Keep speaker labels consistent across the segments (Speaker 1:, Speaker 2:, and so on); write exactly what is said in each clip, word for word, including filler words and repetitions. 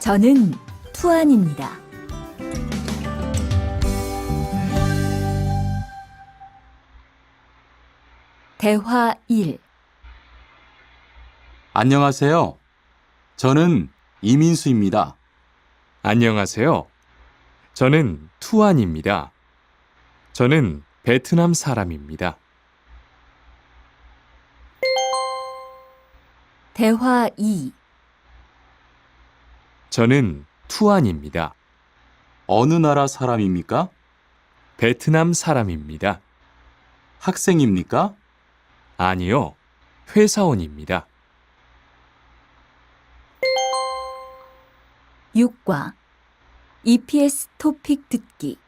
Speaker 1: 저는 투안입니다. 대화 일.
Speaker 2: 안녕하세요. 저는 이민수입니다.
Speaker 3: 안녕하세요. 저는 투안입니다. 저는 베트남 사람입니다.
Speaker 1: 대화 이.
Speaker 3: 저는 투안입니다.
Speaker 2: 어느 나라 사람입니까?
Speaker 3: 베트남 사람입니다.
Speaker 2: 학생입니까?
Speaker 3: 아니요, 회사원입니다.
Speaker 1: 육 과 이피에스 토픽 듣기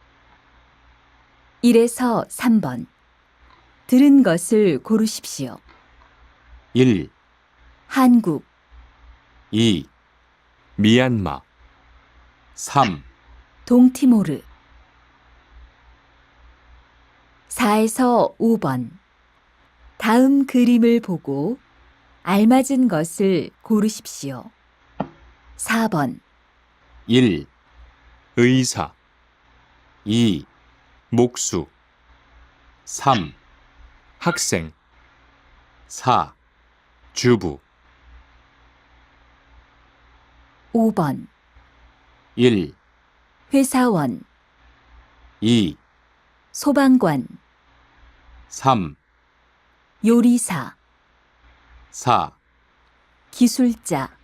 Speaker 1: 일에서 삼 번 들은 것을 고르십시오.
Speaker 2: 일,
Speaker 1: 한국,
Speaker 2: 이,
Speaker 3: 미얀마,
Speaker 2: 삼,
Speaker 1: 동티모르 사에서 오 번 다음 그림을 보고 알맞은 것을 고르십시오. 사 번
Speaker 2: 일,
Speaker 3: 의사,
Speaker 2: 이,
Speaker 3: 목수,
Speaker 2: 삼,
Speaker 3: 학생,
Speaker 2: 사,
Speaker 3: 주부,
Speaker 1: 오 번
Speaker 2: 일,
Speaker 1: 회사원,
Speaker 2: 이,
Speaker 1: 소방관,
Speaker 2: 삼,
Speaker 1: 요리사,
Speaker 2: 사,
Speaker 1: 기술자